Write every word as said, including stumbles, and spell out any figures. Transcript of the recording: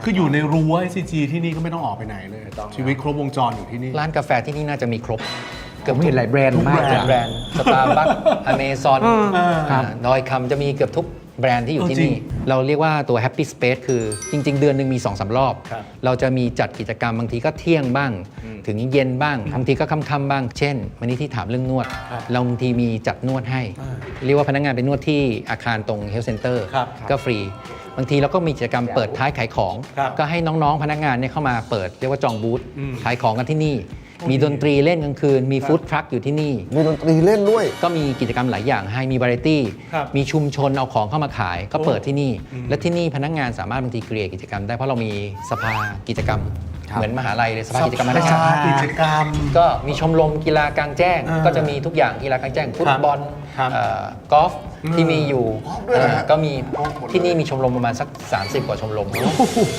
คืออยู่ในรั้ว ไอ ซี จี ที่นี่ก็ไม่ต้องออกไปไหนเลยชีวิตครบวงจรอยู่ที่นี่ร้านกาแฟที่นี่น่าจะมีครบเกือบเห็นหลายแบรนด์มากทุกแบรนด์สตาร์บัคอเมซอนดอยคำจะมีเกือบทุกแบรนด์ที่อยู่ที่นี่เราเรียกว่าตัว Happy Space คือจริง ๆ เดือนหนึ่งมี สองสาม รอบ เราจะมีจัดกิจกรรมบางทีก็เที่ยงบ้างถึงเย็นบ้างบางทีก็ค่ำๆบ้างเช่นวันนี้ที่ถามเรื่องนวดเราบางทีมีจัดนวดให้เรียกว่าพนักงานไปนวดที่อาคารตรง Health Center ก็ฟรีบางทีเราก็มีกิจกรรมเปิดท้ายขายของก็ให้น้องๆพนักงานเนี่ยเข้ามาเปิดเรียกว่าจองบูธขายของกันที่นี่มีดนตรีเล่นกลางคืนมีฟู้ดทรัคอยู่ที่นี่มีดนตรีเล่นด้วยก็มีกิจกรรมหลายอย่างให้มีวาไรตี้มีชุมชนเอาของเข้ามาขายก็เปิดที่นี่และที่นี่พนักงานสามารถบางทีเกรียกิจกรรมได้เพราะเรามีสภากิจกรรมเหมือนมหาลัยเลยสภากิจกรรมมหาชาติกิจกรรมก็มีชมรมกีฬากลางแจ้งก็จะมีทุกอย่างกีฬากลางแจ้งฟุตบอลกอล์ฟที่มีอยู่ก็มีที่นี่มีชมรมประมาณสักสามสิบกว่าชมรม